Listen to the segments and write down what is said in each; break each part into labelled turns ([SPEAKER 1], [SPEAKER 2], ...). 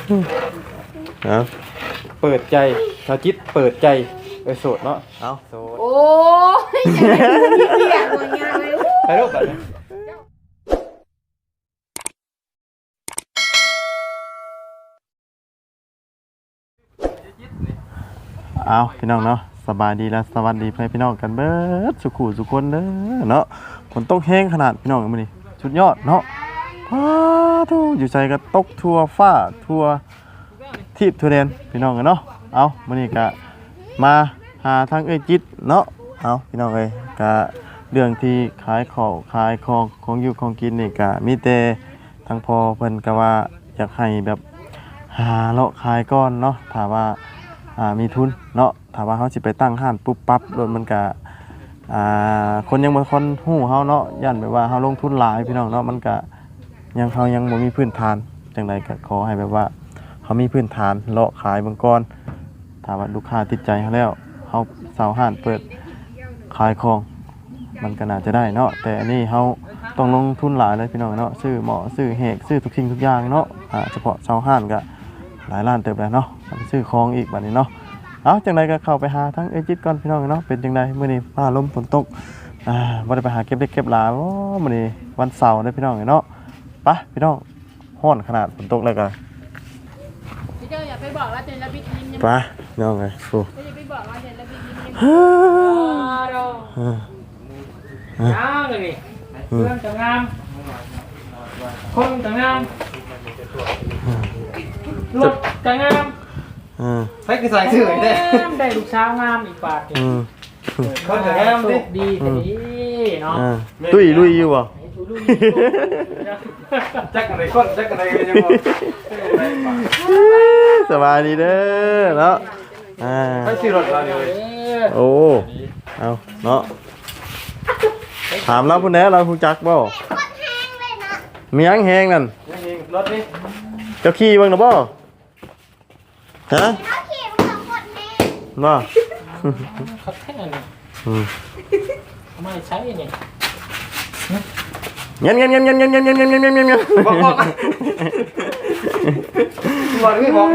[SPEAKER 1] เอาเปิดใจชาวจิตเปิดใจโสดเนาะเอาโสด
[SPEAKER 2] โอ้ยอย่าไปเรียกว่าง่ายเลย
[SPEAKER 1] ไปรูปแบบนี้เอาพี่น้องเนาะสบายดีแล้วสวัสดีเพื่อนพี่น้องกันเบิดสุขุสุคนเด้อเนาะฝนตกแห้งขนาดพี่น้องมื้อนี้สุดยอดเนาะพ้าทูอยู่ใจก็ตกทั่วฟ้าทั่วทิศทั่วแดนพี่น้องกันเนาะเอามื้อนี้ก็มาหาทางจิตเนาะเอาพี่น้องเอ้ยก็เรื่องที่ขายของอยู่ของกินนี่ก็มีแต่ทางพอเพิ่นก็ว่าอยากให้แบบหาเลาะขายก้อนเนาะถ้าว่ามีทุนเนาะถ้าว่าเขาสิไปตั้งห้านปุ๊บปั๊บรถมันก็คนยังบ่คนฮู้เฮาเนาะย่านแบบว่าเฮาลงทุนหลายพี่น้องเนาะมันก็ยังเฮายังบ่มีพื้นฐานจังไดก็ขอให้แบบว่าเฮามีพื้นฐานเลาะขายเบิ่งก่อนถ้าว่าลูกค้าติดใจเฮาแล้วเฮาเซาห้านเปิดขายของมันก็น่าจะได้เนาะแต่อันนี้เฮาต้องลงทุนหลายเลยพี่น้องเนาะซื้อหม้อซื้อแหกซื้อทุกสิ่งทุกอย่างเนาะเฉพาะเซาห้านก็หลายล้านเติบแล้วเนาะซื้อของอีกบัดนี้เนาะเอาจังไดก็เข้าไปหาทั้งจิตก่อนพี่น้องเนาะเป็นจังไดมื้อนี้ฟ้าลมฝนตกบ่ได้ไปหาเก็บเล็กเก็บหลายโอ้มื้อนี้วันเสาร์เด้อพี่น้องเนาะไปพี่น้องร้อนขนาดฝนตกแล้วก็
[SPEAKER 2] พี่เจ้าอย่าไปบอกว่าเจนระบิดยิ้ม
[SPEAKER 1] ไปน้องไงโอ้
[SPEAKER 2] อย่าไปบอกว่าเจนระบิดยิ้ม
[SPEAKER 3] น้าเลยนี่เพื่อนจะงามคนจะงามรถจะงาม
[SPEAKER 1] ใช้คือสายสื่อได้
[SPEAKER 3] ได้ลูกสาวงามอีกปาก
[SPEAKER 1] คนจะงาม
[SPEAKER 3] ดีแต่ดีเนาะ
[SPEAKER 1] ตุ้ยลุยอยู่บ่
[SPEAKER 3] จักกันไหนคนจักกันไหนกันยังบ่
[SPEAKER 1] สบายดีเด้อเนาะ
[SPEAKER 3] ไปซื้อรถเราเลย
[SPEAKER 1] โอ้เอาเนาะถามเราพุ่นแหน่เราฮู้จักบ่มีหยังแฮงนั่น
[SPEAKER 3] รถนี่
[SPEAKER 1] เจ้าขี่เบิ่งน่ะบ่ฮะบ่
[SPEAKER 3] เขาแค่นี้ไม่ใช่นี่
[SPEAKER 1] เงี้ย
[SPEAKER 3] บอกพี่บอก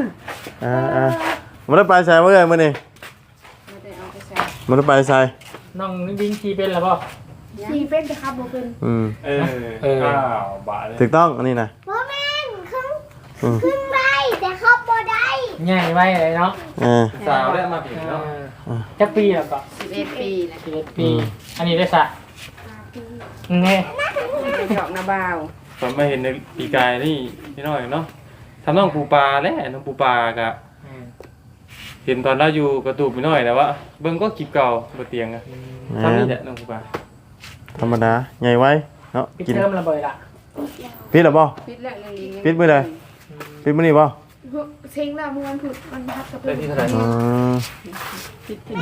[SPEAKER 1] มันได้ไปใส่เมื่อไงมื่อนี่มันได้ไปใส่
[SPEAKER 3] น้องวิ่งขี่เป็นหรือเปล่า
[SPEAKER 2] ขี่เป็นแต่ขับบ่เป็น
[SPEAKER 3] บาท
[SPEAKER 1] ถูกต้องอันนี้นะ
[SPEAKER 2] บ่แม่นขึ้นได้แต่ขับบ่ได้
[SPEAKER 3] ง่ายไว้เลยเนาะ
[SPEAKER 1] สาวได้มาผิดเนาะ
[SPEAKER 3] จักปีแล้วก็
[SPEAKER 2] 11 ปีนะ
[SPEAKER 3] 11 ปีอันนี้ได้สักไง
[SPEAKER 2] ดอกนาบ่าว
[SPEAKER 1] ผมมาเห็นในปีกายนี่พี่น้อยเนาะทำน้องปูปลาแล้วน้องปูปลากะเห็นตอนเราอยู่กระตูบพี่น้อยแต่ว่าเบิ้งก็กิบเก่าบนเตียงอะทำนี่แหละน้องปูปลาธรรมดาใหญ่ไว้เนาะ
[SPEAKER 3] กินเริ่มระเบิดละ
[SPEAKER 1] ปิดหรือเปล่า
[SPEAKER 2] ปิดแล้ว
[SPEAKER 1] ปิดมื้อใดปิดมื้อนี้เปล่า
[SPEAKER 2] เซ็งแล้วมันผุดมันพัดกับเพื่อนที่เท่า
[SPEAKER 3] ไหร่
[SPEAKER 2] ปิดที่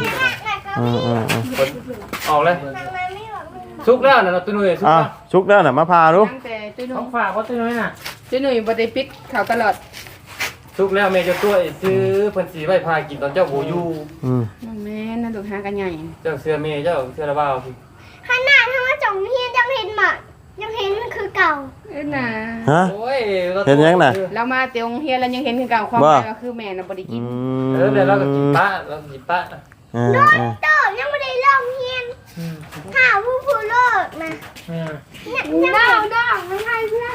[SPEAKER 3] ออกเลยชุกแล้วนะตัวหนุ่ย
[SPEAKER 1] ชุกแล้วน่ะมาพาดู
[SPEAKER 3] ต้องฝากเพราะตัวหนุ่ยน่ะ
[SPEAKER 2] ตัวหนุ่ยบ่ได้ปิดเขาตลอด
[SPEAKER 3] ชุกแล้วแม่จะตัวซื้อเพิ่นสีไว้พากินตอนเจ้าโหอยู่
[SPEAKER 2] แม่น่าดูหากันใหญ่
[SPEAKER 3] เจ้าเสื้อเมย์เจ้าเสื้อระบ้าพี่
[SPEAKER 4] ขนาดถ้าว่าจ่องเฮียยังเห็นหมดยังเห็นคือเก่า
[SPEAKER 2] น่ะ
[SPEAKER 3] โอ้ย
[SPEAKER 1] เห็นยังน่ะ
[SPEAKER 2] เรามาเตียงเฮียแล้วยังเห็นคือเก่าความหมายก็คือแม่น่ะบ่ได้กิน
[SPEAKER 3] เดี๋ยวเราก็กินป้าเรากินป้า
[SPEAKER 4] โดนโตยังไม่ได้ลองเฮียนข่าวผู้เลิกนะเนี่ยดอกไม่ให้เพื่อน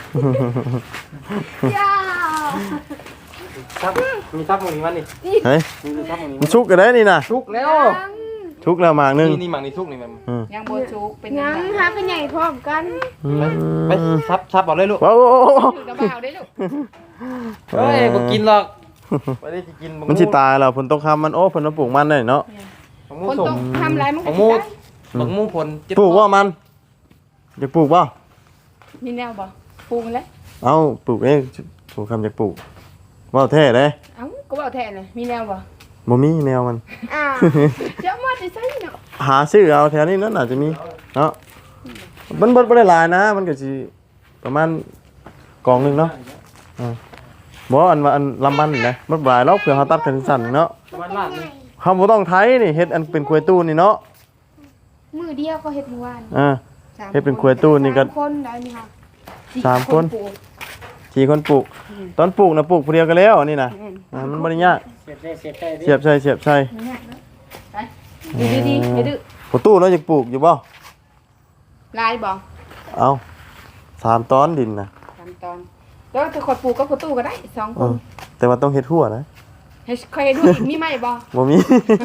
[SPEAKER 3] ซับมีซับตรงนี้มั้ยนี่
[SPEAKER 1] เฮ้ยมันชุกกันได้นี่น่ะ
[SPEAKER 3] ชุกแล้ว
[SPEAKER 1] ชุกแล้วหมากนึง
[SPEAKER 3] นี่หมากนี่ชุกนี่มัน
[SPEAKER 2] ยังบ่ชุกเป็นยังหากันใหญ่พร้อมกัน
[SPEAKER 3] ไปซับเอาเลยลูก
[SPEAKER 1] ว้าว
[SPEAKER 2] กระเป๋าได้ลูก
[SPEAKER 3] เฮ้ยบ่กินหรอกไม่ได้กิน
[SPEAKER 1] มันสิตายแล้วฝนตกค่ำมันโอ้ฝนมาปลูกมันได้เนาะ
[SPEAKER 2] คนตกทำไรมันก็
[SPEAKER 3] บักมูผล
[SPEAKER 1] ปลูกว่ามันจะปลูกป่ะ
[SPEAKER 2] มีแนวบ่ปลูกแล้ว
[SPEAKER 1] เอ้าปลูกเองปลูกคำจะปลูกว่าแท้เลย
[SPEAKER 2] เอ้าก็ว่าแท้เลยมีแนวบ่
[SPEAKER 1] บ่มีแนวมัน
[SPEAKER 2] เจ้ามาจะใช่เนาะ
[SPEAKER 1] หาซื้อเอาแถวนี้นั่นอาจจะมีเนาะมันบ่ได้หลายนะมันก็สิประมาณกองนึงเนาะบ่อันว่าอันลำมันนี่นะมันหลายแล้วเผื่อเฮาตัดกันสั้นเนาะเขาบ่ต้องไถนี่เฮ็ดอันเป็นกล้วยตู้นี่เนาะ
[SPEAKER 2] มื้อเดียวก็เฮ็ดมื้อวาน
[SPEAKER 1] เฮ็ดเป็นกล้วยตู้นี่ก็
[SPEAKER 2] คนได้มั้ยคะ
[SPEAKER 1] 3 คน4 คนปลูกตอนปลูกนะปลูกผู้เดียวกันแล้วอันนี้นะมันบ่ได้ยาก
[SPEAKER 3] เสียบได้เสียบได้ดิ
[SPEAKER 1] เสียบใส่
[SPEAKER 4] ไปดื้อดีอย่าดื้อ
[SPEAKER 1] ประตูเราจะปลูกอยู่บ่
[SPEAKER 4] ลายบ่
[SPEAKER 1] เอา3ตอนดินนะ
[SPEAKER 4] 3ตอนแล้วถ้าขอปลูกก็ประตูก็ได้2ค
[SPEAKER 1] เอน อแต่ว่าต้องเฮ็ดหัวนะ
[SPEAKER 4] ให้ค่อยดูอีกมีไหมบ่
[SPEAKER 1] บ่มี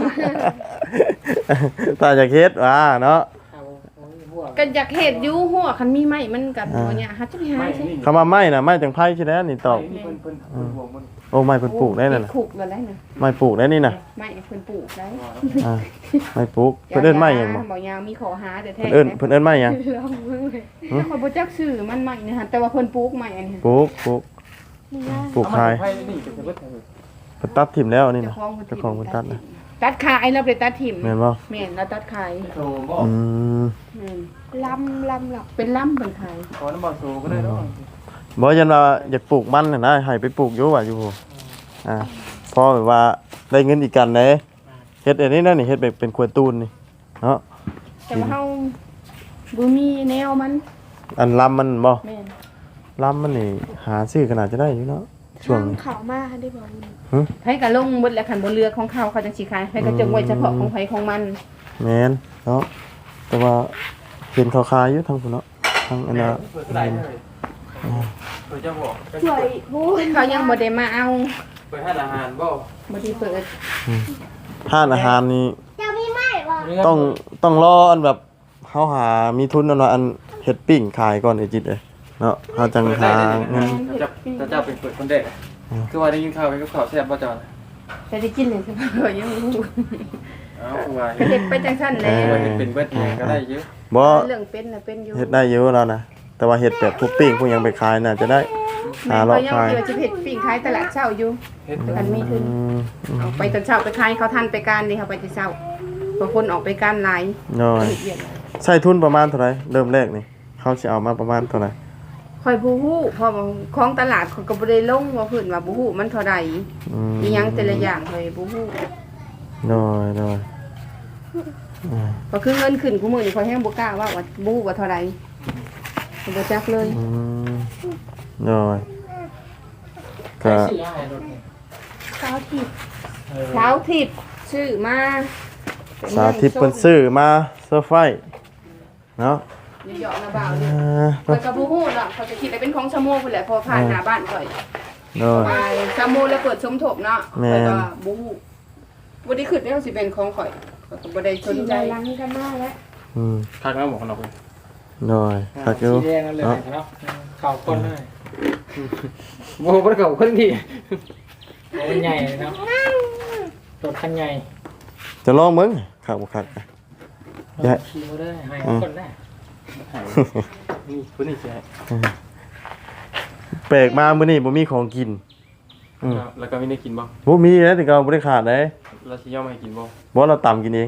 [SPEAKER 1] ถ้าอยากเฮ็ดว่าเนาะ
[SPEAKER 3] เอาหัว
[SPEAKER 4] ก็อยากเฮ็ดอยู่หัวคันมีไหมมันก็บ่เนี่ยหาจะไปหา
[SPEAKER 3] ไม่
[SPEAKER 4] ใช่
[SPEAKER 3] นี่
[SPEAKER 1] คำว่าไม้น่ะไม้จังไผใช่แล้วนี่ตอบ
[SPEAKER 3] เพิ่นหัวมัน
[SPEAKER 1] โอ้ไม้เพิ่นปลูกได้นั่นน่ะ
[SPEAKER 4] ขุกแล้วได้น่ะ
[SPEAKER 1] ไม้ปลูกได้นี่น่ะ
[SPEAKER 4] ไม้เพิ่นปลูกได้
[SPEAKER 1] อ่าไม้ปลูกเพิ่นเอิ้นไม้หยังบ่
[SPEAKER 4] บ่ยาวมีขอหาแต่แท้
[SPEAKER 1] เพิ่นเอิ้นไม้หยัง
[SPEAKER 4] ลองเบิ่งเลยข้อยบ่จักชื่อมันใหม่นี่ฮะแต่ว่าเพิ่นปลูกใหม่อันนี้
[SPEAKER 1] ปลูกปลูกขาย
[SPEAKER 3] ไผ่นี่จะเบิดเถอะ
[SPEAKER 1] เพิ่นตัดถิ่มแล้วนี่
[SPEAKER 4] เจ้า
[SPEAKER 1] น่ะ
[SPEAKER 4] ของเพิ่น
[SPEAKER 1] เจ้าของเพิ่นตัดนะ
[SPEAKER 4] ตัดขายแล้วไปตัดถิ่ม
[SPEAKER 1] แม่นบ่
[SPEAKER 4] แม่นแล้วตัดขาย
[SPEAKER 3] โตบ่
[SPEAKER 1] อืม
[SPEAKER 4] ลำหลักเป็นลำเป็นขาย
[SPEAKER 3] ขอน้ำบ่โตก็ได้เนาะ
[SPEAKER 1] บ่ยันว่าอยากปลูกมันน่ะนะให้ไปปลูกอยู่ว่าอยู่พุ่นอ่าพอแบบว่าได้เงินอีกกันเด้เฮ็ดอันนี้นั่นนี่เฮ็ดแบบเป็นครัวตูนนี่เนาะ
[SPEAKER 4] แต่ว่าเฮาบ่มีแนวมัน
[SPEAKER 1] อันลำมันบ่
[SPEAKER 4] แม่น
[SPEAKER 1] ลำมันนี่หาซื้อขนาดจะได้อยู่เนาะช่วงนี้
[SPEAKER 2] เขามาได้บอก
[SPEAKER 4] ไผก็ลงเบิดแล้วคันบ่เลือกของเขาเขาจังสิขายไผก็จงไว้เฉพาะของไผของมัน
[SPEAKER 1] แม่นเนาะแต่ว่าเห็นเขาขายอยู่ทางพุ่นเนาะทางอันน่ะ
[SPEAKER 3] เปิดได้เลยเปิดจะบอก
[SPEAKER 2] สวยพูด
[SPEAKER 4] เขายังบ่ได้มาเอา
[SPEAKER 3] เปิดให้อาหารบ่
[SPEAKER 4] บ่ได้เปิด
[SPEAKER 1] ห้านอาหารนี่
[SPEAKER 2] จะมีไหมบอก
[SPEAKER 1] ต้องรออันแบบเฮาหามีทุนอันว่าอันเฮ็ดปิ้งขายก่อนไอ้จิตเอ้ยเนาะเฮาจังหาเงิน
[SPEAKER 3] จะเจ้าเป็นเปิดคนเด็กคือว่าได้ยินข่าวไปกับข่าวแซ่บบ่จอน
[SPEAKER 4] แต่ได้กินเลยสิบ่ยังบ่รู้
[SPEAKER 3] เอ้าคือว่า
[SPEAKER 4] ก็เฮ็ดไปจังซั่นแหละ
[SPEAKER 3] เป็นเบิดเองก็ได้เยอะ
[SPEAKER 1] บ่
[SPEAKER 4] เรื่องเป็นน่ะเป็นอยู่
[SPEAKER 1] เฮ็ดได้เยอะแล้วนะแต่ว่าเฮ็ดแบบพวกปิ้งพวกหยังไปขายน่ะจะได้หา
[SPEAKER 4] แม่
[SPEAKER 1] รอ
[SPEAKER 4] ก็
[SPEAKER 1] บ
[SPEAKER 4] ยัง
[SPEAKER 1] ขาย
[SPEAKER 4] เดี๋ยวจะเฮ็ดปิ้งขายตลาดเช้าอยู่
[SPEAKER 3] เฮ็ด
[SPEAKER 4] คันมีทุน
[SPEAKER 1] อืม
[SPEAKER 4] เอาไปตอนเช้าไปขายเขาทันไปการนี่เขาไปแต่เช้าบางคนออกไปการหลาย
[SPEAKER 1] น้อย
[SPEAKER 4] เฮ็ดเวียกหลาย
[SPEAKER 1] ใช้ทุนประมาณเท่าไหร่เริ่มแรกนี่เขาสิเอามาประมาณเท่าไหร่
[SPEAKER 4] ข่อยบ่ฮู้เพราะว่าของตลาดเขาก็บ่ได้ลงว่าเพิ่นว่าบ่ฮู้มันเท่าใด มีหยังแต่ละอย่างข่อยบ่ฮู้
[SPEAKER 1] น้อย
[SPEAKER 4] ก็คือเงินขึ้นกูมื้อนี่ข่อยแฮงบ่กล้าว่าบ่ฮู้ว่าเท่าใดบ่จักเลย
[SPEAKER 1] อืมน้อย
[SPEAKER 3] ก็
[SPEAKER 1] ก็
[SPEAKER 3] สิให้รถนี่
[SPEAKER 4] เช้าทิพย์เช้าทิพย์ชื่อมา
[SPEAKER 1] สาธิตเพิ่นซื้อมาเซอร์ไพรส์เนาะ
[SPEAKER 4] เหยาะๆนะบ่าว
[SPEAKER 1] อ่
[SPEAKER 4] นี่
[SPEAKER 1] า
[SPEAKER 4] ข่อยก็บ่ฮู้เนาะเขาจะคิดว่าเป็นของชะโมกพุ่นแหละพอผ่านหน้าบ้านข่อย
[SPEAKER 1] น้อย
[SPEAKER 4] มาชะโมกแล้วเปิดสมทบเนาะ
[SPEAKER 1] แม่
[SPEAKER 4] ข่อย
[SPEAKER 1] น
[SPEAKER 4] ก็บ่ฮู้บ่ได้คิดว่าสิเป็นของข่อยข่อยก็บ่ได้สนใจ
[SPEAKER 2] ล้างกันมาแล้ว
[SPEAKER 1] อืม
[SPEAKER 3] คักแล้วหมอกเราไป
[SPEAKER 1] น้อยคักอยู่
[SPEAKER 3] สีแดงนั่นเลยเนาะข่าวคนเลยโบ้บ่ได้ข่าวคนที่มันใหญ่เนาะรถคันใหญ่
[SPEAKER 1] จะลองมึงคักบ่คักอะ อย่า
[SPEAKER 3] ขี่บ่ได้ให้คนได้นี่คนนี้สิให้
[SPEAKER 1] แปลกมามื้อนี้บ่มีของกิน
[SPEAKER 3] แล้วก็ไม่ได้กินบ่
[SPEAKER 1] บ่มีนะถึงก็บ่ได้ขาดเด้
[SPEAKER 3] เราสิยอมให้กินบ่
[SPEAKER 1] บ่เราต่ำกินเอง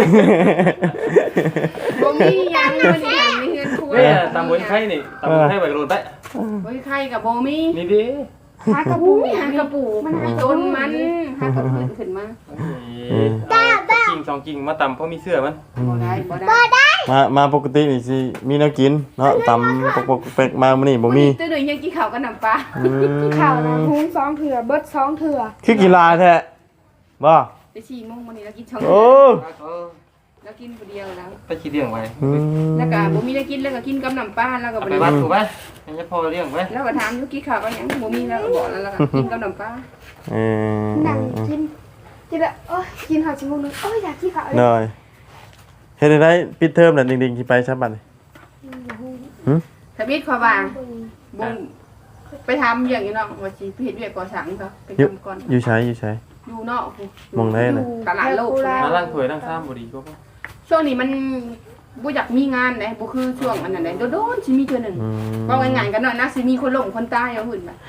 [SPEAKER 4] บ่มีหยังบ่ได้หยังมีเงินคุย
[SPEAKER 3] เว้ยตามบนไข่นี่ตามบนไข่ไปกระโดดได้
[SPEAKER 4] บ่มีใครก็บ่มี
[SPEAKER 3] นี่ดิ
[SPEAKER 4] หากระปูหากระปูมันหาต้นมันหากระปูขึ้นมา
[SPEAKER 3] กิ่งสองกิ่งมาตำเพราะมีเสื้อมัน
[SPEAKER 4] บ่ได้
[SPEAKER 1] มาปกตินี่สิมีแนวกินเนาะต่ำปกๆแปลกมามื้อนี้บ่มี
[SPEAKER 4] ตัวหนึ่งยังกินข้าวกับน้ำปลา
[SPEAKER 2] ข่าวนะหุ้ง2เถื่อเบิด2เถื่อ
[SPEAKER 1] คือกีฬาแท้บ่
[SPEAKER 4] ไป4โมงวันนี้เรากินช่อง
[SPEAKER 1] โอ้
[SPEAKER 4] เรากินผู้เดียวแล้ว
[SPEAKER 3] ไปขี้เลี้ยงไว้
[SPEAKER 1] อืม
[SPEAKER 4] แล้วก็บ่มีได้กินแล้วก็กินกับน้ำปลาแล้วก็
[SPEAKER 3] เอา
[SPEAKER 4] บ่
[SPEAKER 3] ไป
[SPEAKER 4] ได้
[SPEAKER 3] วัดถูกไหมให้พ่อเลี้ยงไว้
[SPEAKER 4] แล้วก็ถามอยู่กินข้าวกับหยังบ่มีแล้วก็บอกแล้วก็กินกับน้ำปลา
[SPEAKER 1] เออ
[SPEAKER 2] หนังกินกินละโอ้ยกินข้าวชั่วโมงนึงโอ้ยอยากกินข้าวเลย
[SPEAKER 1] หน่อยเฮ็ดได้ปิดเทอมแล้วดิ่งๆสิไปซับบัดนี่
[SPEAKER 4] ทวิตขอว่าบ่ไปทำอย่างนี้เนาะว่าสิไปเฮ็ดเวียกก่อสร้างเขาไปทำก่อน
[SPEAKER 1] อยู่ใช้
[SPEAKER 4] อยู่นอก
[SPEAKER 1] มองได้น่ะ
[SPEAKER 4] ตลาดโลก
[SPEAKER 3] มาล้างถ้วยล้างซ้ำบ่ดีก็ป่ะ
[SPEAKER 4] ช่วงนี้มันบ่อยากมีงานเลยบ่คือช่วงอันนั้นเลยโดนๆสิมีเทื่อหนึง
[SPEAKER 1] อืม
[SPEAKER 4] ว่าง่ายๆกันหน่อยนะสิมีคนหลงคนตายเอาหุ่นแบบ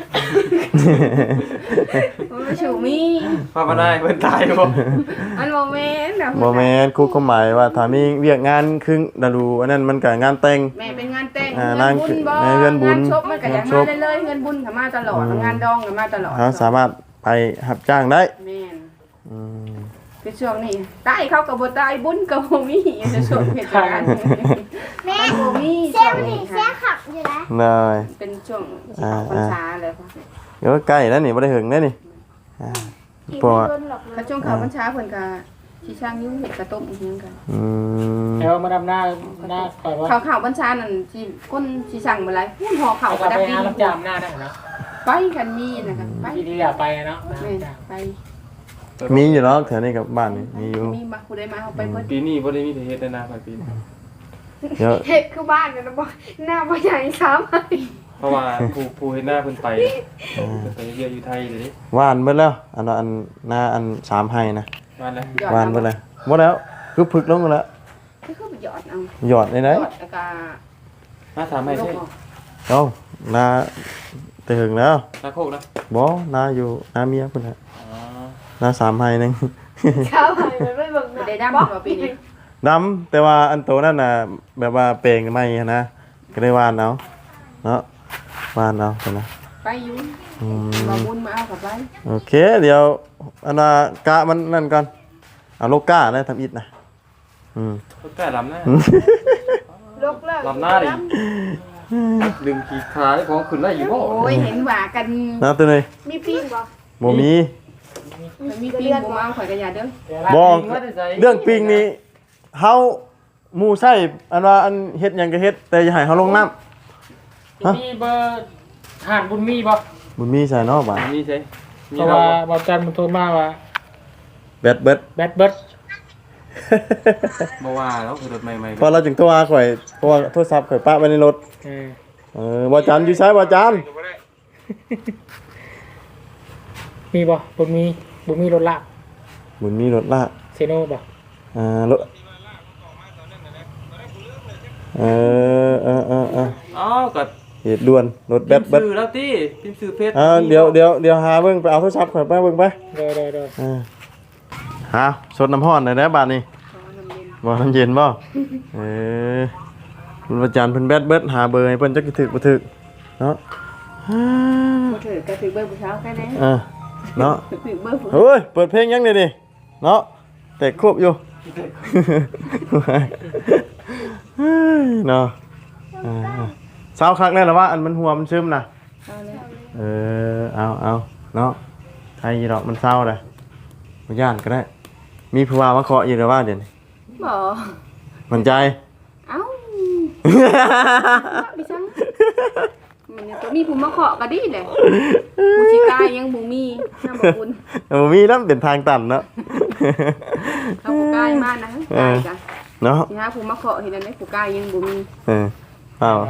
[SPEAKER 4] โอ้ยชูมี
[SPEAKER 3] พ่อมาได้เพิ่นตายบ่
[SPEAKER 4] อันโมเมนต์นะ
[SPEAKER 1] บ่แม่นครูก็หมายว่าถ้ามีเวียกงานครึ่งฤดูอันนั้นมันก็งานแต่ง
[SPEAKER 4] แม่เป็นงานแต่ง
[SPEAKER 1] อ่า
[SPEAKER 4] เงินบุญบ่
[SPEAKER 1] เงินบุญ
[SPEAKER 4] งานชบมันก็อยาก
[SPEAKER 1] งานช
[SPEAKER 4] มาก ได้เลยเงินบุญก็มาตลอดงานดองก็มาตลอด
[SPEAKER 1] เฮาสามารถไปรับจ้างได้
[SPEAKER 4] แม่น
[SPEAKER 1] อืม
[SPEAKER 4] คือช่วงนี้ตายเขาก็บ่ตายบุญก็บ่มีจะช่วงเหตุการณ์
[SPEAKER 2] แม่
[SPEAKER 4] บ่มี
[SPEAKER 2] เสี
[SPEAKER 4] ช่
[SPEAKER 2] ยว
[SPEAKER 4] ง
[SPEAKER 2] นี่
[SPEAKER 4] นี้
[SPEAKER 2] เสียขับอยู่นะ
[SPEAKER 1] หน่อย
[SPEAKER 4] เป็นช่วงที่ออกพรรษาเลยค่ะ
[SPEAKER 1] เดี๋ยวใกล้แล้วนี่บ่ได้หึงแล้วนี่เพราะว่า
[SPEAKER 4] ถ้าช่วงเขาบัญชาเพิ่นก็สิช่างยุ่งเฮ็ดกระต้มอีหยังกัน
[SPEAKER 3] แล้วมาดำหน้าคอยว่า
[SPEAKER 4] เขาบัญชานั่นสิคนสิสั่งบ่หลายหุ้นห่อข้าว
[SPEAKER 3] เขา
[SPEAKER 4] ก็
[SPEAKER 3] ไป
[SPEAKER 4] ได้
[SPEAKER 3] หารับจามหน้าได้เนาะ
[SPEAKER 4] ไปกันมีนะคะไป
[SPEAKER 3] ที่นี่อย่าไปเนาะ
[SPEAKER 4] แม่นไป
[SPEAKER 1] มีอยู่แล้วแถวนี้กับบ้านนี่มีอยู่
[SPEAKER 4] มีมาผู้ใดมาเอาไปเบิด
[SPEAKER 5] ปีนี้บ่ได้มีแต่เฮ็ดได้นาไปปีนี้
[SPEAKER 1] เดี๋ยว
[SPEAKER 4] เฮ็ดคือบ้านน่ะบ่หน้าบ่ใหญ่ซ้ำ
[SPEAKER 5] เพราะว่าผู้เฮ็ดหน้าเพิ่นไปเยอะอยู่ไทยเดี๋ยวนี้
[SPEAKER 1] ว่านเบิดแล้วอันว่าอันหน้าอัน3ไห้นะ
[SPEAKER 5] มาแล้ว
[SPEAKER 1] ว่านเบิดแล้วบ่แล้วคือพึกลงแล้ว
[SPEAKER 4] คือไปหยอดเอา
[SPEAKER 1] หยอดได้ไหน
[SPEAKER 4] หยอดแล้วก็
[SPEAKER 5] มาถามให้ใช่
[SPEAKER 1] เอ้านาแต่หึงแล้ว
[SPEAKER 5] นาโคกนะ
[SPEAKER 1] บ่นาอยู่นาเมียพุ่นน่ะ
[SPEAKER 5] อ๋อ
[SPEAKER 1] นา3ไห้นึง
[SPEAKER 4] เช้าไปมันไม่เบิ่งได้ดำบ่ปีนี้
[SPEAKER 1] ดำแต่ว่าอันโตนั่นน่ะแบบว่าเปลงใหม่นะก็ได้ว่านเอาเนาะว่านเอาเพิ่นน่ะ
[SPEAKER 4] ไปอยู่
[SPEAKER 1] อืม
[SPEAKER 4] มาบุญมาเอากลับไป
[SPEAKER 1] โอเค เดี๋ยวอันน่ะกะมันนั่นก่อนเอาโลก้าได้ทำอิฐนะ
[SPEAKER 5] ก็ใกล้ลำหน้า
[SPEAKER 4] ลกเลิก
[SPEAKER 5] ลำหน้าดิดึงขี่ขาให้ของขึ้นได้อยู่บ่
[SPEAKER 4] โอ้ยเห็นว่ากัน
[SPEAKER 1] นะตัวนี้
[SPEAKER 4] มีปิ้งบ่
[SPEAKER 1] บ่มี
[SPEAKER 4] มีปิ้งบ่มาข่อยก็อย่าเด้อ
[SPEAKER 1] บอกเรื่องปิงนี่เฮาหมู่ใช่อันว่าอันเฮ็ดหยังก็เฮ็ดแต่อย่าให้เฮาลงน้ำ
[SPEAKER 3] มีเบอร์หานบุญมีบ่
[SPEAKER 1] บุญมีใส่เนาะบ่า
[SPEAKER 5] มีใช่มี
[SPEAKER 3] เพราะ
[SPEAKER 5] เรา
[SPEAKER 3] ว่าบอจันมันโทรมาว่า
[SPEAKER 1] แบดเบิด
[SPEAKER 3] แบดเบิร์ด
[SPEAKER 5] บ่ว่าแล้วคือรถใหม่
[SPEAKER 1] พอเราจึงโทรหาข่อยเพราะว่าโทรศัพท์ข่อยปะไว้ในรถบ่จันอยู่ไสบ่จัน
[SPEAKER 3] มีบ่บุญมีรถลาก
[SPEAKER 1] บุญมีรถลาก
[SPEAKER 3] เซโน่บ่
[SPEAKER 1] รถเออ
[SPEAKER 5] ๆอ๋อก็
[SPEAKER 1] เหตุด่วนรถแบดเบิด
[SPEAKER 5] ซื้อแล้วติพิมพ์ซื้อเพชร
[SPEAKER 1] เดี๋ยวหาเบิ่งไปเอาโทรศัพท์ข่อยไปเบิ่งไป
[SPEAKER 3] เด้อ
[SPEAKER 1] หาสดน้ำร้อนหน่อยได้บาดนี้บ่น้ำเย็นบ่คุณอาจารย์เพิ่นแบดเบิดหาเบอร์ให้เพิ่นจักสิถึกบ่ถึกเนาะ
[SPEAKER 4] บ่ถือก็ถือเบอร์ผู้สาวแค่นั้น
[SPEAKER 1] เนาะ
[SPEAKER 4] ถือเบอร์ผู้
[SPEAKER 1] เฮ้ยเปิดเพลงยังนี่ดิเนาะแต่ครบอยู่เนาะเศร้าคักแน่ล่ะว่าอันมันหัวมันซึมน่ะ
[SPEAKER 4] เอาเลย
[SPEAKER 1] เอาเนาะใครอีดอกมันเศร้าเลยบ่ย่านก็ได้มีผู้ว่ามาเคาะอยู่แล้วว่าเดี๋ยวนี้
[SPEAKER 4] บ่
[SPEAKER 1] มั่นใจ
[SPEAKER 4] เอ้าดิฉันมันยังตัวมีผู้มาเคาะก็ดีแหละผู้สิกายยังบ่มีน้ำบ่บุญ
[SPEAKER 1] มีน้ำเป็นทางตันเนาะ
[SPEAKER 4] เอาผู้กายมานะกายกัน
[SPEAKER 1] เนาะ
[SPEAKER 4] สิหาผู้มาเคาะเห็นอันนี้ผู้กายยังบ่มี
[SPEAKER 1] เปล่า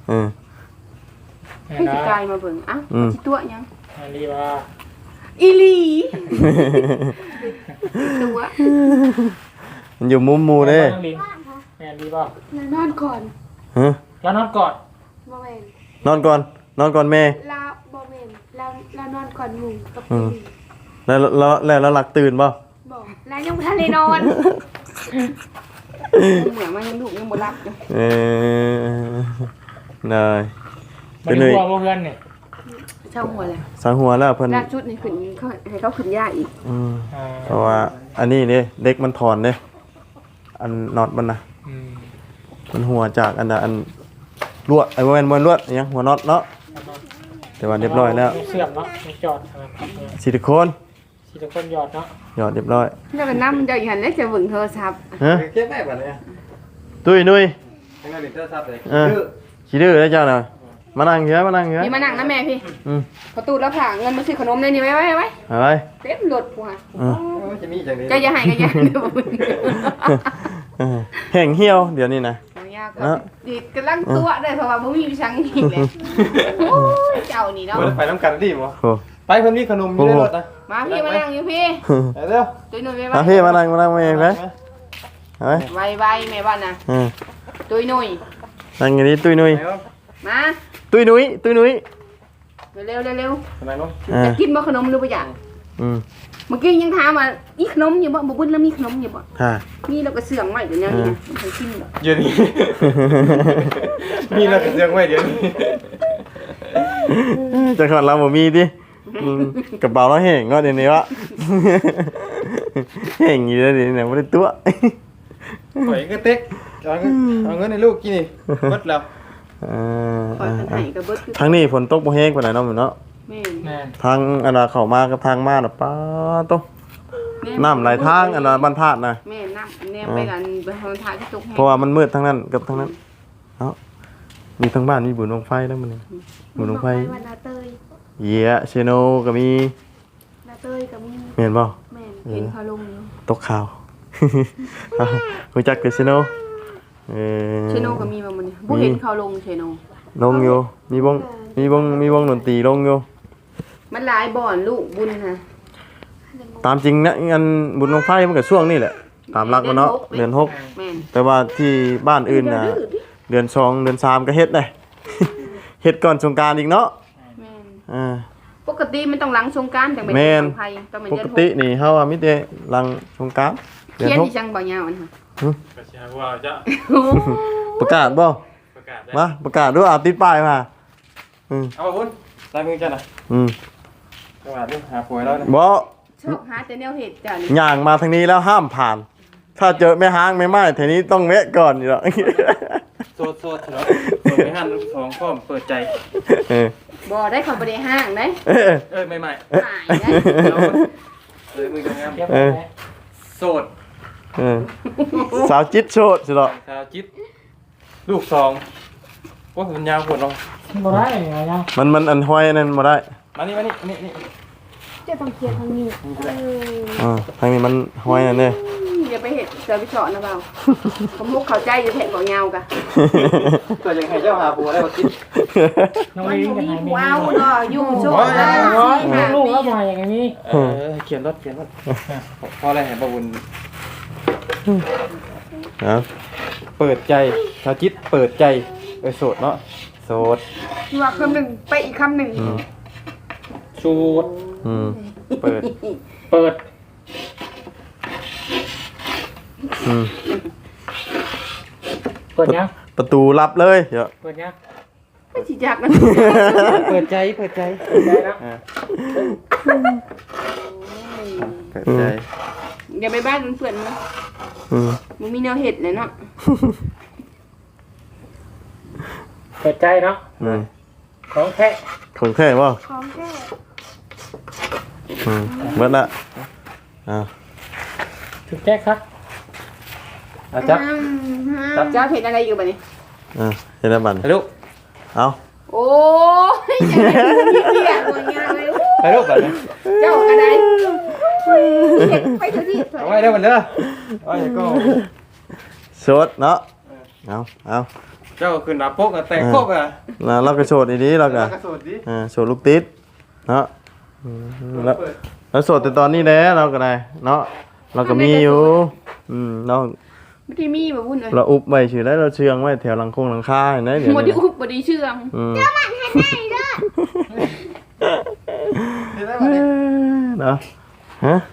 [SPEAKER 4] ให้ผู้กายมาเบิ่งเอ้าสิตัวยัง
[SPEAKER 3] อันนี้ว่า
[SPEAKER 4] อีหลีตัว
[SPEAKER 1] มันอยู่มุมหมูเด้
[SPEAKER 3] แม่ดีบ่
[SPEAKER 4] นอนก่อน
[SPEAKER 1] ฮะ
[SPEAKER 3] แล้วนอนกอด
[SPEAKER 4] บ่แม่น
[SPEAKER 1] นอนก่อนแม่
[SPEAKER 4] ลาบ่แม่นลานอนก่อนหมู่กับ
[SPEAKER 1] แล้วหลักตื่นป่ะ
[SPEAKER 4] บ่ลายังบ่ทันได้นอนเหมือนมันยังลูกยังบ่หลับอยู่
[SPEAKER 1] ได้
[SPEAKER 3] บ่ได้กลัวบ่เพื่อนนี่
[SPEAKER 4] เช่าหัวเลย
[SPEAKER 1] สังหัวแล้วเพิ่น
[SPEAKER 4] ลากชุดนี่ขึ้นเขาให้เขาขึ้นยากอีก
[SPEAKER 1] เพราะว่าอันนี้เนี่ยเด็กมันถอนเนี่ยอันน็อตมันนะมันหัวจากอันลวดไอ้มันลวดยังหัวน็อตเนาะแต่ว่าเรียบร้อยแล้ว
[SPEAKER 3] เสื่อมเนาะจอด
[SPEAKER 1] ซิลิโคน
[SPEAKER 3] สิทุกคนหยอดเนาะ
[SPEAKER 1] หยอดเรียบร้อย
[SPEAKER 4] แล้วก็นำเจ้าอยู่หั่นแล้วจะเบิ่งโทรศัพท์
[SPEAKER 1] ฮะ
[SPEAKER 5] เก็บได้บัดนี้
[SPEAKER 1] ตุ้ยนุ้ย
[SPEAKER 5] ทั้งนั้นนี่โทรศัพท์เลย
[SPEAKER 1] ขี้ดื้อได้เจ้าหน่อยมานั่งเหี้ย
[SPEAKER 4] นี่มานั่งนะแม่พี่
[SPEAKER 1] อืม
[SPEAKER 4] ประตูแล้วผ่าเงินมาซื้อขนมเลยนี่ไว้
[SPEAKER 1] อะไร
[SPEAKER 4] เต็มรถผัว
[SPEAKER 5] จะมีจังได๋
[SPEAKER 4] จะอย่าให้ก็อย่าเดี๋ยวมึง
[SPEAKER 1] แห้งเหี่ยวเดี๋ยวนี้นะ
[SPEAKER 4] เอายากก็ดีกำลังตัวได้เพราะว่าบ่มีชังอีกแล้วโอ้ยเจ้านี่เนาะ
[SPEAKER 5] ไปน้ำกันดิบ่
[SPEAKER 1] โอ้
[SPEAKER 5] ไปเพิ่นมีขนมอยู่ในรถนะ
[SPEAKER 4] มาพี่มานั่งอยู่พี่
[SPEAKER 5] เร็ว
[SPEAKER 4] ตุ้ยหนุ่ย
[SPEAKER 1] มาพี่มานั่งมาเองไหมเฮ้ย
[SPEAKER 4] ไวแม่บ้านน่ะตุ้ยหนุ่ย
[SPEAKER 1] นั่งอย่างนี้ตุ้ยนุ้ย
[SPEAKER 4] มา
[SPEAKER 1] ตุ้ยนุ้ย
[SPEAKER 4] เร็ว
[SPEAKER 5] นั่งลง
[SPEAKER 4] จะกินบ่ขนมหรือบ่อยาก
[SPEAKER 1] อืม
[SPEAKER 4] เมื่อกี้ยังถามว่าอีขนมอยู่บ่บุญแล้วมีขนมอยู่บ่
[SPEAKER 1] ค่ะ
[SPEAKER 4] มีแล้วก็เสื่องไว้เดี๋ยวนี้นะมันเคยกินดอก
[SPEAKER 5] เดี๋ยวนี้มีแล้วก็เรื่องไว้เดี๋ยวนี้
[SPEAKER 1] จะขอดเราบ่มีดิกระเป๋าเราแห้งก็เดี๋ยวนี้วะแห้งอยู่แล้วเดี๋ยวนี้ไม่ได้ตัว
[SPEAKER 5] ข่อยก็เต็กเอาเงินให้ลูกกินนี่หมดแล้ว
[SPEAKER 4] คอยกันให้ก็เบิดคือ
[SPEAKER 1] ทั้งนี้ฝนตกบ่แห้งปานใดเนาะมื้อเนาะ
[SPEAKER 4] แม่น
[SPEAKER 3] แม่น
[SPEAKER 1] ทางอันน่ะเข้ามากับทางมาน่ะป้าโตน้ำไหลทางอันน่ะบรรทัดน่ะ
[SPEAKER 4] แม่น้ำแนมไปกันไปทางทางที่ตกแห้ง
[SPEAKER 1] เพราะว่ามันมืดทั้งนั้นกับทั้งนั้นเนาะมีทั้งบ้านมีบุญบังไฟแล้วมันนี่บุญบังไฟ
[SPEAKER 2] วันนาเตย
[SPEAKER 1] เยียเชโนก็มี
[SPEAKER 2] นาเตยกับมี
[SPEAKER 1] แม่นบ่
[SPEAKER 2] แม่น
[SPEAKER 4] เห็นเขาลงอยู่
[SPEAKER 1] ตกข่าว รู้จักแต่เชโน
[SPEAKER 4] เชโนก็มีมาหมดนี่บ่เห็นเขาลงเชโน
[SPEAKER 1] ลงอยู่มีวงดนตรีลงอยู่
[SPEAKER 4] มันหลายบ่อนลูกบุญฮะ
[SPEAKER 1] ตามจริงนะงานบุญบังไฟมันก็ช่วงนี้แหละตามหลักมันเนาะเดือน
[SPEAKER 4] แม่น
[SPEAKER 1] 6แต่ว่าที่บ้านอื่นน่ะเดือน2เดือน3ก็เฮ็ดได้ เฮ็ดก่อนสงกรานต์อีกเนาะ
[SPEAKER 4] แม่น
[SPEAKER 1] อ่า
[SPEAKER 4] ปกติมันต้องหลังสงกรานต์จังเป็น
[SPEAKER 1] แม่น
[SPEAKER 4] ไผต้องเป็น
[SPEAKER 1] ป
[SPEAKER 4] เดือก น
[SPEAKER 1] ตินี่เฮาว่ามีแต่หลังสงกรานต์เดือน
[SPEAKER 4] เขียน
[SPEAKER 1] 6
[SPEAKER 4] ที่จังบ่ยาวอันค่ะ
[SPEAKER 5] กระชากว่าจะ
[SPEAKER 1] ประกาศบ่
[SPEAKER 5] ประกาศได้
[SPEAKER 1] มาประกาศด้วยติดป้ายมา
[SPEAKER 5] เอาพุ่นลายมือจ้ะนะ
[SPEAKER 1] อืม
[SPEAKER 5] ประกาศด้วยหาป่วยแล้วนะ
[SPEAKER 1] บ่
[SPEAKER 4] ชอบหาแต่แนวเห็ดจ้ะนี่
[SPEAKER 1] ย่างมาทางนี้แล้วห้ามผ่าน ถ้าเจอแม่ห้างแม่ไม้แถวนี้ต้องแวะก่อนอยู่แล้ว
[SPEAKER 5] โซดเหรอโซดไม่หันสองข้อมเปิดใจ
[SPEAKER 1] เออ
[SPEAKER 4] บ่ได้เขาบ่ได้ห้างได้
[SPEAKER 1] เออ
[SPEAKER 5] ใหม่
[SPEAKER 4] หายได้
[SPEAKER 5] เอาเลยมืองาม
[SPEAKER 3] เก็บ
[SPEAKER 1] เอ
[SPEAKER 3] ไว้
[SPEAKER 1] อ
[SPEAKER 5] โสด
[SPEAKER 1] เออสาวจิตโชดสิเหรอ
[SPEAKER 5] ชาวจิตลูกสองว่าผมยาวปวดลง
[SPEAKER 3] บ่ได้ไงยัง
[SPEAKER 1] มันอันห้อยนั่นมาได้
[SPEAKER 5] มานี่นี่
[SPEAKER 2] จะต้องเขียนทางนี้
[SPEAKER 1] ทางนี้มันห้อยนั่นเด้
[SPEAKER 4] อย่าไปเห็ดเจอไปเฉาะนะเปล่าผมมุกเข้าใจอยู่แท้บ่ยาวกะ
[SPEAKER 5] ตัวยังให้เจ้าหาปัวได้บ่จิต
[SPEAKER 3] น้อง
[SPEAKER 4] มัน
[SPEAKER 3] ลิง
[SPEAKER 4] บ่
[SPEAKER 3] กัน
[SPEAKER 4] มี
[SPEAKER 3] ไหน
[SPEAKER 4] ว้าวเนาะอยู่โชว์
[SPEAKER 3] แล้
[SPEAKER 4] แล้ว
[SPEAKER 3] ลูกแล้วมาอย่างนี้
[SPEAKER 5] เขียนรถพออะไรเห็นประบุญ
[SPEAKER 1] นะ
[SPEAKER 5] เปิดใจชาวจิตเปิดใจโสดเนาะโสด
[SPEAKER 4] ว่าคำหนึ่งไปอีกคำหนึ่ง
[SPEAKER 3] ชูด
[SPEAKER 1] อืม
[SPEAKER 5] เปิด
[SPEAKER 3] เปิด
[SPEAKER 1] อืม
[SPEAKER 3] เปิดยัง
[SPEAKER 1] ประตูลับเลยเดี๋ยว
[SPEAKER 3] เปิดยัง
[SPEAKER 4] ไม่สิจักนะ
[SPEAKER 5] เปิดใจ
[SPEAKER 3] ได้แล้ว
[SPEAKER 5] เปิดใจ
[SPEAKER 4] อย่าไปบ้านเพื่อนๆมั้ย
[SPEAKER 1] อืม
[SPEAKER 4] มันมีแนวเห็ดเลยเนาะ
[SPEAKER 3] เปิดใจเนาะ
[SPEAKER 1] อืม
[SPEAKER 3] ของแท้
[SPEAKER 1] คนแค่บ่
[SPEAKER 2] ของแท้
[SPEAKER 1] อืมเบิดละอ่า
[SPEAKER 3] ถูกแจ้ครับ
[SPEAKER 5] จับ
[SPEAKER 4] เจ้าเห็ดอะไรอยู่บัดนี้
[SPEAKER 1] เฮ็ดได้บัด
[SPEAKER 5] ไปลูก
[SPEAKER 1] เอา
[SPEAKER 4] โอ้ยยังไงเหี้ยตัวงานเลย
[SPEAKER 5] ไปลูกแบบนี้
[SPEAKER 4] เจ้าอะไรเห็ดไปเถอะที่
[SPEAKER 5] เอาไว้ได้หมดเด้อไว้ก็
[SPEAKER 1] โสดเนาะเอา
[SPEAKER 5] เจ้าขึ้นหน้าปกแต่งปกอ่ะ
[SPEAKER 1] แล้วเราก็โสดดีๆเราก็
[SPEAKER 5] กระสุนดิ
[SPEAKER 1] โสดลูกติดเนาะแล้วโสดแต่ตอนนี้แหละเราก็ได้เนาะเราก็มีอยู่เรา
[SPEAKER 4] ไม่ได้มีแบบวุ่นเลย
[SPEAKER 1] เราอุบไว้ชื่อแล้วเราเชื่องไว้แถวหลังคาเห็นไหมเดี๋ยว
[SPEAKER 4] บไดี
[SPEAKER 1] นี้
[SPEAKER 4] อุบบไดีเชื่อง
[SPEAKER 1] เนาะฮะ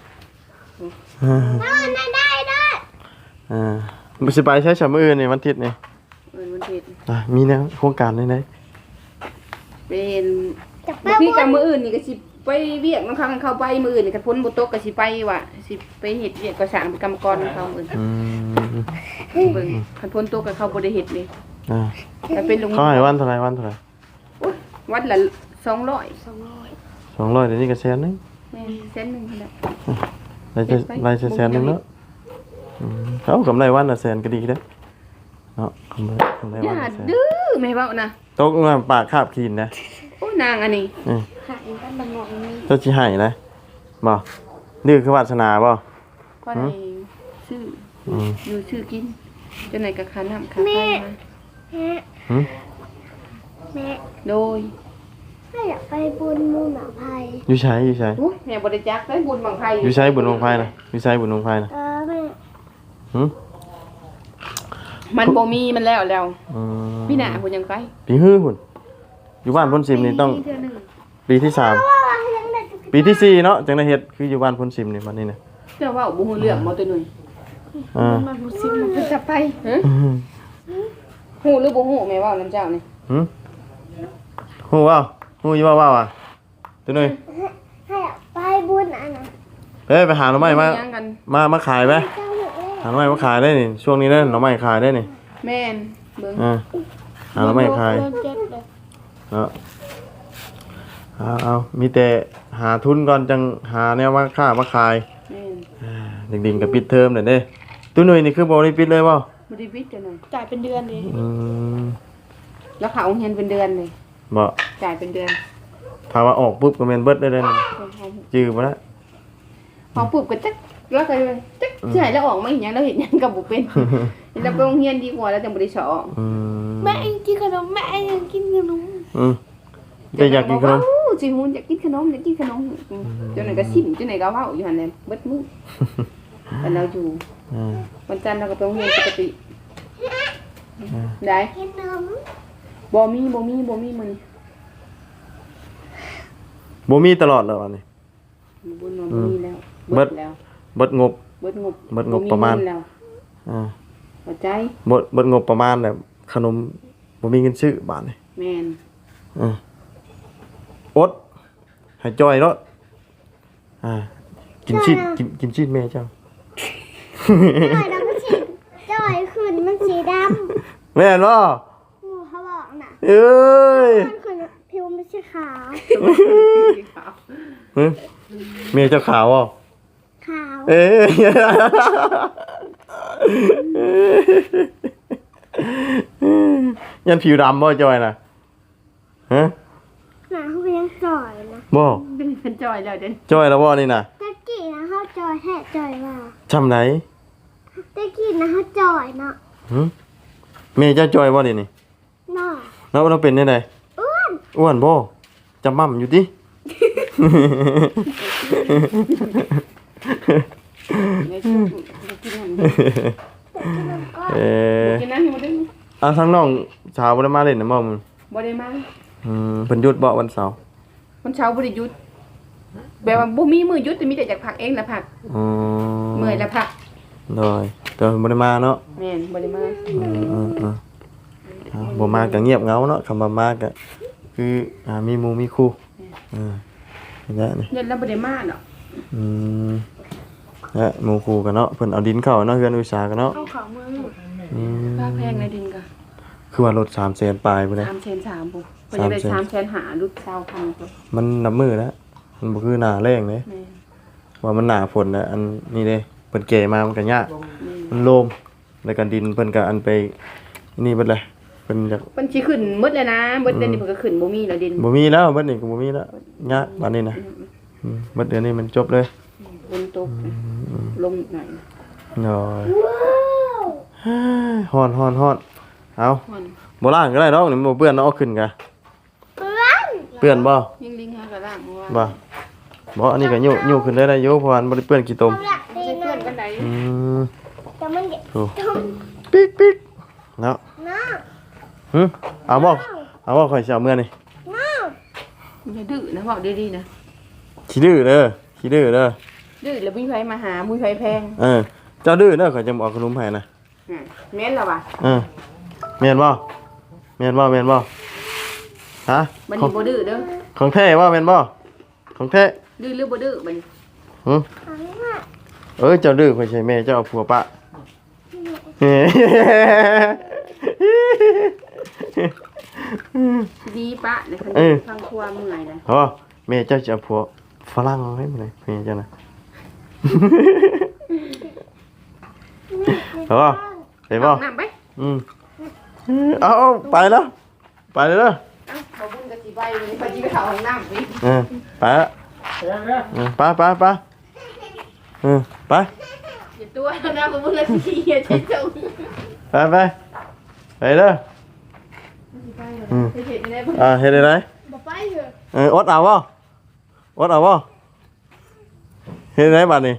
[SPEAKER 2] ได้ได้
[SPEAKER 1] มันสิไปใช้ฉมือนี่วันอาทิตย์นี่
[SPEAKER 4] มันเห็ด
[SPEAKER 1] มีแนวโครงการได้ไหน
[SPEAKER 4] เป็น
[SPEAKER 2] จะไป
[SPEAKER 4] บางทีกับมืออื่นนี่ก็สิไปเวียกน้องเขาเข้าไปมืออื่นนี่ก็พ้นบ่ตกก็สิไปว่ะสิไปเฮ็ดเวียกก็สร้างเป็นกรรมกรของเขาอื่นเบิ่งคันพ้นตกก็เขาบ่ได้เฮ็ดเลยแต่เป็นลุง
[SPEAKER 1] เขาให้วันเท่าไหร
[SPEAKER 4] วัดละ200
[SPEAKER 1] 200เดี๋ยวนี้ก็แสนนึง
[SPEAKER 4] แม่นเส้นหนึงนั่นแหละ
[SPEAKER 1] ได้แสนนึงเนาะเขากำไรวันละแสนก็ดีเด้อเนาะกำไร
[SPEAKER 4] อ
[SPEAKER 1] วัน
[SPEAKER 4] ย่า
[SPEAKER 1] ละแสน
[SPEAKER 4] ดื้อแม่เว้านะ
[SPEAKER 1] ตกมาปากคาบขีนนะ
[SPEAKER 4] โอ้นางอันนี้
[SPEAKER 2] ขายกันบังหนอกนี้
[SPEAKER 1] เจ้าสิให้นะบ่นี่คือวาสนาบ่
[SPEAKER 4] ก็ได้ชื่ออยู่ชื่อกินจนไหนก็ค่าน้ำค่าไฟมา
[SPEAKER 2] แม่
[SPEAKER 1] หึ
[SPEAKER 2] แม่
[SPEAKER 4] โดย
[SPEAKER 2] ถ้าอยากไปบุญมูหนาภัย
[SPEAKER 1] อยู่ใช้
[SPEAKER 4] อุ๊ยแม่บ่ได้จักได้บุญบังไผ
[SPEAKER 1] อยู่ใช้บุญวงไฟนะอยู่ใช้บุญวงไฟนะ
[SPEAKER 2] แม่
[SPEAKER 1] หึ
[SPEAKER 4] มันบ่มีมันแล้ว
[SPEAKER 1] อืม
[SPEAKER 4] พี่หน้าพุ่นยังไป
[SPEAKER 1] ปีฮื้อพุ่นอยู่บ้านพ้นซิมนี่ต้อง
[SPEAKER 4] เทื่อหนึง
[SPEAKER 1] ปีที่3ปีที่4เนาะจังได้เฮ็ดคืออยู่บ้านพ้นซิมนี่บัดนี้นะ
[SPEAKER 4] เจ้าเว้าบ่ฮู้เรื่องบ่ตัวหนึง
[SPEAKER 2] มันมุสิม
[SPEAKER 4] มันจะไปฮะฮู้หรือบ่ฮู้แม่เว้านำเจ้านี่
[SPEAKER 1] หึฮู้ว่าฮู้อยู่ว่าอ่ะตัวนึง
[SPEAKER 2] ถ้าอยากไปบุญอันนั้น
[SPEAKER 1] เฮ้ยไปหาหน่อไม้มา
[SPEAKER 4] ยังกัน
[SPEAKER 1] มาขายไหม
[SPEAKER 2] เจ้าหนูเอ้ย
[SPEAKER 1] หาหน่อไม้มาขายได้นี่ช่วงนี้นะหน่อไม้ขายได้นี่
[SPEAKER 4] แม่นเบิ่ง
[SPEAKER 1] หาหน่อไม้ขาย
[SPEAKER 2] เจ็บเลย
[SPEAKER 1] เนาะหเอามีแต่หาทุนก่อนจังหาแนวว่าค่ามาขาย
[SPEAKER 4] แม่น
[SPEAKER 1] ดิ่งๆกับปิดเทอมน่ะเด้ตู้หน่วยนี่คือบ่ได้ปิดเลยบ่
[SPEAKER 4] บ่ได้วิทย์จังได๋
[SPEAKER 2] จ่ายเป็นเดือนเลย
[SPEAKER 1] อืม
[SPEAKER 4] แล้วเขาเอาเงินเป็นเดือนเลย
[SPEAKER 1] บ่
[SPEAKER 4] จ่ายเป็นเดือน
[SPEAKER 1] ถ้าว่าออกปุ๊บก็แม่นเบิดได้เลยนะจื้อบ่ละ
[SPEAKER 4] พอปุ๊บก็จักแล้วก็จักสิให้แล้วออกมาอีหยังแล้วเฮ็ดหยังก็บ่เป็นแล้วไปโรงเรียนดีกว่าแล้วจังบ่ได้สอบ
[SPEAKER 1] อืม
[SPEAKER 2] แม่เองกินขนมแม่เองกินขนม
[SPEAKER 1] อืมแต่อยากกินขนม
[SPEAKER 4] สิฮู้อยากกินขนมอยากกินขนมจนไหนก็ซิมจนไหนก็เว้าอยู่หั่นแหละเบิดมื้อแต่เราอยู่
[SPEAKER 1] อืม
[SPEAKER 4] วันจันทร์เราก็ไปโรงเรียนปกติได้
[SPEAKER 2] กินขนม
[SPEAKER 4] บ่มีมื้อนี้
[SPEAKER 1] บ่มีตลอดแล้วอันนี้
[SPEAKER 4] บุญบ่มีแล้ว
[SPEAKER 1] เบิด
[SPEAKER 4] แล้ว
[SPEAKER 1] เบิดงบ
[SPEAKER 4] เบิดงบ
[SPEAKER 1] เบิดงบประมาณ
[SPEAKER 4] บ่เงินแล้ว
[SPEAKER 1] อ่า
[SPEAKER 4] เข้าใจ
[SPEAKER 1] เบิดงบประมาณแบบขนมบ่มีเงินซื้อบาทนี่
[SPEAKER 4] แม่น
[SPEAKER 1] อืมอดให้จ้อยเนาะกินชีสแม่เจ้า
[SPEAKER 2] จ่อยแล้วมันสีจ่อยขึ้นมันสีด
[SPEAKER 1] แม่นบ่
[SPEAKER 2] ำหมูเขาบอกน่ะ
[SPEAKER 1] เอ้ย
[SPEAKER 2] มันคือผิวไม่ใช่ขาว
[SPEAKER 1] หึแม่เจ้าขาวบ่
[SPEAKER 2] ขาว
[SPEAKER 1] เอ้ยยันผิวดำบ่จ้อยน่ะฮะ
[SPEAKER 2] หนาเขาก็ยังจ่อยนะ
[SPEAKER 1] บ่
[SPEAKER 4] เป็นจอยแล้วเด้
[SPEAKER 1] จ้อยแล้วบ่นี่น่ะ
[SPEAKER 2] ตะกี้นะเขาจ่อยแท้จ่อยว่า
[SPEAKER 1] จำไหน
[SPEAKER 2] ตะกี้นะเขาจ่อยเนาะ
[SPEAKER 1] หึแม่เจ้าจ้อยบ่นี่นี่
[SPEAKER 2] เนาะ
[SPEAKER 1] แล้วเราเป็นได้ได
[SPEAKER 2] อ้วน
[SPEAKER 1] อ้วนบ่จำม่ำอยู่ติ
[SPEAKER 4] กินนั่น
[SPEAKER 1] เออ
[SPEAKER 4] กินนั่นให้หมดเด้อ
[SPEAKER 1] ทั้งน้องสาวบ่ได้มาเล่นนะบ่มึง
[SPEAKER 4] บ่ได้มา
[SPEAKER 1] เพิ่นหยุดบ่วันเสาร์
[SPEAKER 4] วันเช้าบ่ได้หยุดแบบว่าบ่มีมื้อหยุดแต่มีแต่จากพักเองนะพัก
[SPEAKER 1] อืม
[SPEAKER 4] เมื่อยแล้วพัก
[SPEAKER 1] โดยแต่บ่ได้มาเนาะ
[SPEAKER 4] แม่นบ่ได้มา
[SPEAKER 1] บ่มาก็เงียบเหงาเนาะคำว่ามาก็คือมีหมู่มีคู่อย่างนี้นี่
[SPEAKER 4] เงินแล้วบ่ได้มาเนาะ
[SPEAKER 1] อืมและหมู่คู่กันเนาะเพิ่นเอาดินเข้าเนาะเฮือนอุตสาหกันเนาะ
[SPEAKER 2] เอาของมือ
[SPEAKER 1] อืม
[SPEAKER 4] ค่าแพงในดินก็
[SPEAKER 1] คือว่ารถ300,000ปลายพุ่นเด้
[SPEAKER 4] 3,300ปุ๊บเพิ่นจะได้3,000หาลูกสาวพันปุ๊บ
[SPEAKER 1] มันนับมือแล้วมันบ่คือหน้าแรงเด้
[SPEAKER 4] แม่น
[SPEAKER 1] ว่ามันหน้าฝนน่ะอันนี้เด้เพิ่นแก่มามันก็ยากมันโลมแล้วก็ดินเพิ่นก็อันไปนี่เบิดเลยเพิ่นอยาก
[SPEAKER 4] เพิ่นสิขึ้นหมดแล้วนะเบิดเดือนนี้เพิ่นก็ขึ้นบ่มีแล้วดิน
[SPEAKER 1] บ่มีแล้วเบิดนี่ก็บ่มีแล้วยากบัดนี้นะเบิดเดือนนี้มันจบเลย
[SPEAKER 4] ฝนตกลมหน่อย
[SPEAKER 1] น้อย
[SPEAKER 2] ว้าว
[SPEAKER 1] ฮ้อนเอา
[SPEAKER 4] มัน
[SPEAKER 1] บ่ล้างก็ได้ดอกนี่มันบ่เปื้อนเนาะเอาขึ้นกะ
[SPEAKER 2] เพื่อน
[SPEAKER 1] เปื้อนบ่
[SPEAKER 4] ยิงลิงหาก็ล่างว่า
[SPEAKER 1] บ่อันนี้ก็ยู่ขึ้นได้อยู่เพราะว่ามันบ่ได้เปื้อนขี้ตม
[SPEAKER 2] เขาอยากดี
[SPEAKER 4] สิ
[SPEAKER 2] นะ
[SPEAKER 4] เพื่อนกันใด
[SPEAKER 2] แต่มันเด็ก
[SPEAKER 1] โอ้ปิ๊กเนาะ
[SPEAKER 2] น้า
[SPEAKER 1] เอาบ่ข่อยสิเอาเมื่อนี่
[SPEAKER 2] น้า
[SPEAKER 4] อย่าดื้อนะบอกดีๆนะ
[SPEAKER 1] ขี้ดื้อเด้อ
[SPEAKER 4] ดื้อแล้วมีไผมาหามีไผแพง
[SPEAKER 1] เจ้าดื้อเด้อข่อยจะบ่เอาขนมให้นะ
[SPEAKER 4] แม่นแล้วว่ะ
[SPEAKER 1] แม่นบ่ฮะ
[SPEAKER 4] บัดนี้บ่ดื้อเด้อ
[SPEAKER 1] ของแท้บ่แม่นบ่ของแท้
[SPEAKER 4] ดื้อหรือบ่ดื้อบัดนี้
[SPEAKER 2] ของน้า
[SPEAKER 1] เจ้าดื้อข่อยใช่แม่เจ้าเอาผัวปะ
[SPEAKER 4] ดีปะนะคะฟังครัวเมื่อยนะ
[SPEAKER 1] อ๋อแม่เจ้าจะเอาผัวฝรั่งเอาให้มาเลยแม่เจ้านะไปบ่
[SPEAKER 4] น้ำไป
[SPEAKER 1] เอาไปแล้วไปเลยเด้อ
[SPEAKER 4] บ่บุญก็สิไปไปสิไปเข้าห้องน้ำไป
[SPEAKER 1] ไปละ
[SPEAKER 3] เดี๋ยว
[SPEAKER 1] ไปไป
[SPEAKER 4] อย่าตัวนะบ่บุญก็สิเฮ็ดให้เจ้า
[SPEAKER 1] ไปเด้อ
[SPEAKER 4] เฮ็ดได้บ่
[SPEAKER 1] เฮ็ดได้ไหน
[SPEAKER 2] บ่ไปเถอะ
[SPEAKER 1] อดเอาบ่เฮ็ดได้บัดนี้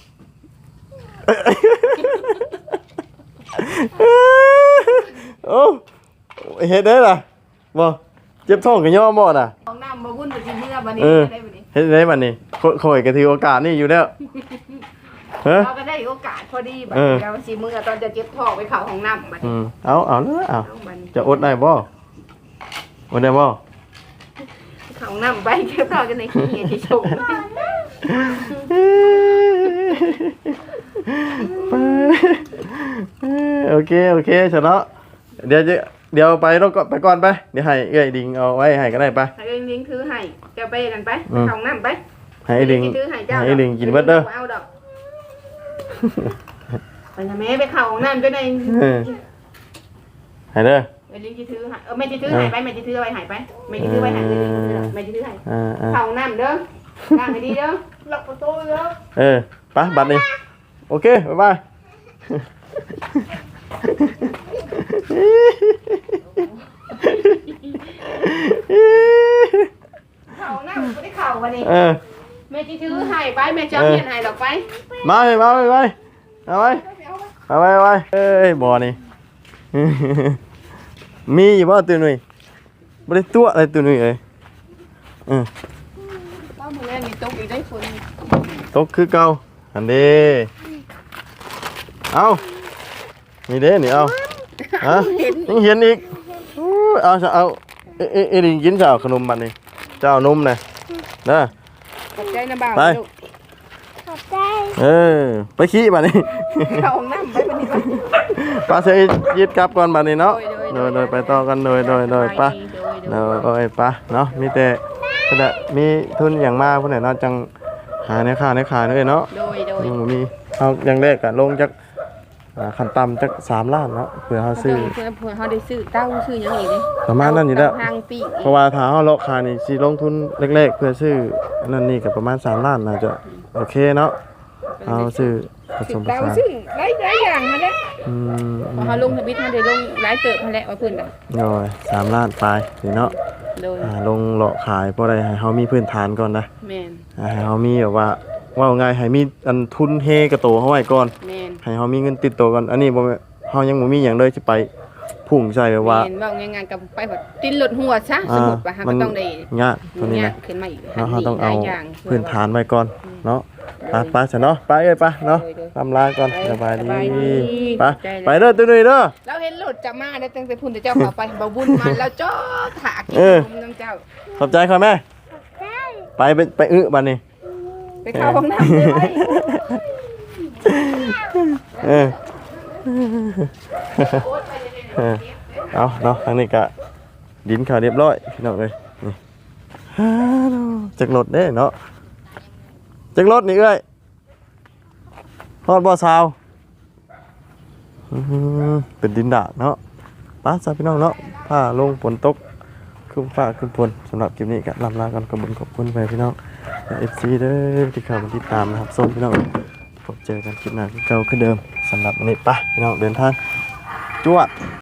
[SPEAKER 1] โอ้เฮ็ดได้ล่ะบ่เจ็บท้องก็ย่อบ่น่ะ
[SPEAKER 4] ห้องน้ำบ่บุญก็สิเมื่อบัดนี้ได้บัดนี้
[SPEAKER 1] เฮ็ดได้บัดนี้ข่อยก็ถือโอกาสนี่อยู่แล้วฮะ
[SPEAKER 4] เราก็ได้โอกาสพอดีบัดนี้แล้วสิมื้อตอนจะเจ็บท้องไปเข้าห้องน้ำบัดนี้
[SPEAKER 1] เอาเลยเอา
[SPEAKER 4] บัดนี้
[SPEAKER 1] จะอดได้บ่อดได้บ่
[SPEAKER 4] เข้าห้องน้ำไปเจ็บท้องกันในขี้เฮ็ดให้ชม
[SPEAKER 1] โอเคชนะเดี๋ยวจะเดี๋ยวไปแล้วก็ไปก่อนไปเดี๋ยวให้เอ้ยดิงเอาไว้ให้ก็ได้ไป
[SPEAKER 4] ให้เองลิงถือให้เจ้าไปกันไป
[SPEAKER 1] อืม
[SPEAKER 4] เข้าห้องน้ำไป
[SPEAKER 1] ให้ไอ้ดิง
[SPEAKER 4] ถือให้เจ้า
[SPEAKER 1] ให้ไอ้ดิงกินเบิดเด้อ
[SPEAKER 4] เอาดอกไปนะแม่ไปเข้าห้องน้ำก็ได้
[SPEAKER 1] เออให้เด้อ
[SPEAKER 4] ไอ้ลิงจะถือให้แม่จะถือให้ไปแม่จะถือไว้ให้ไปแม่จะถือไว้ให้แม่จะถือให้ เข้าห้องน้ำเด้อล้างให้ดีเด้อล็อกประตูเด้อ
[SPEAKER 1] ไปบัดนี้โอเคบ๊ายบาย
[SPEAKER 4] เข้าห้องน้ำไม่ได้เข้าวันนี้ แม่จะถือให้ไปแม่จะเอาเงินให้ดอกไป
[SPEAKER 1] มาไปเอาไปเอ้ยบ่อนี่ มีอยู่บ่ตัวหนุ่ยบ่ได้ตัวอะไรตัวหนุ่ยเอ้ย
[SPEAKER 4] ป้ามือแรกนี่ตกอีกได้ฝน
[SPEAKER 1] ตกคือเก่าอันเด้เอานี่เด้นี่เอาฮะยังเห็นอีกอู้เอาเอ้ดิกินเจ้าขนมบัดนี้เจ้านมน่ะเด้อ
[SPEAKER 4] ขอบใจนะบ่าว
[SPEAKER 1] ไป
[SPEAKER 4] ลูก
[SPEAKER 2] ขอบใจ
[SPEAKER 1] ไปขี้บัดนี้
[SPEAKER 4] เข้าห้องน้ำไปวันนี้ไป
[SPEAKER 1] ป้าเสยยึดกลับก่อนบัดนี้เนาะ
[SPEAKER 4] โดย
[SPEAKER 1] โดยไปต่อกันโดยป้าโดยป้าเนาะมีแต่ขณะมีทุนอย่างมากผู้ใดเนาะจังหาในค่าเลยเนาะ
[SPEAKER 4] โดย
[SPEAKER 1] มีเอาอย่างแรกก็ลงจากขั้นต่ำจาก3 ล้านเนาะเพื่อเฮาซื้อ
[SPEAKER 4] เพื่อเขาได้ซื้อเต้าซื้อหยังอีกเลย
[SPEAKER 1] ประมาณนั้นอยู่แล้ว
[SPEAKER 4] ทางปีก
[SPEAKER 1] เพราะว่าถ้าเฮาเลาะคานี่สิลงทุนแรกๆเพื่อซื้ออันนั้นนี่ก็ประมาณ3 ล้านน่าจะโอเคเนาะเอาซื้อผสมผ
[SPEAKER 4] เต้า
[SPEAKER 1] สาน
[SPEAKER 4] ซื้อหลายอย่างนั่นแหละ
[SPEAKER 1] อืม
[SPEAKER 4] พอเขาลงทวิตเขาได้ลงหลายเติบนั่นแหละว่าเพิ่นน่ะ
[SPEAKER 1] โอ้ย3 ล้านปลายนี่เนาะ
[SPEAKER 4] โดย
[SPEAKER 1] ลงเลาะขายเพราะอะไรให้เฮามีพื้นฐานก่อนนะ
[SPEAKER 4] แม่น
[SPEAKER 1] ให้เฮามีแบบว่าไงให้มีอันทุนเฮกระโตเฮาไว้ก่อน
[SPEAKER 4] แม่น
[SPEAKER 1] ให้เฮามีเงินติดตัวก่อนอันนี้บ่แม่นเฮายังบ่มีหยังเลยสิไปพุ่งใส่แบบว่า
[SPEAKER 4] แม่นเว้าง่ายๆกับไปแบบติ้นหลดหัวซะสมมุติว่าหาก็ต้องได้
[SPEAKER 1] ยากตัวนี้นะ
[SPEAKER 4] ขึ้นมาอีก
[SPEAKER 1] เนาะเฮาต้องเอา
[SPEAKER 4] หลยย่ง
[SPEAKER 1] พื้นฐานไว้ก่อนเนาะไปซะเนาะไปเอ้ยไปเนาะทำลาก่อนสบายดีไปเด้อตุ้ยเด้อ
[SPEAKER 4] เราเห็นรถจะมาได้ตั้งแต่พุ่นแต่เจ้าเข้าไปบ่บุญมาแล้วจอดถากินนมน้ำเจ้า
[SPEAKER 1] ขอบใจค่ะแม่ไปบัดนี้
[SPEAKER 4] ไปเข้าห้องน้ำเลย
[SPEAKER 1] เอาเนาะทางนี้ก็ดินข่าวเรียบร้อยพี่น้องเลยนี่จักรถเด้เนาะจักรถนี่เอ้ยฮอดบ่ซาวเป็นดินดาดเนาะป้าซาพี่น้องเนาะผ้าลงฝนตกขึ้นฟ้าขึ้นฝนสำหรับคลิปนี้ก็ลำลากันขอบคุณไปพี่น้องFC เด้อที่เข้ามาติดตามนะครับส้มพี่น้องพบเจอกันคลิปหน้าคือเก่าคือเดิมสำหรับวันนี้ไปพี่น้องเดินทางจวด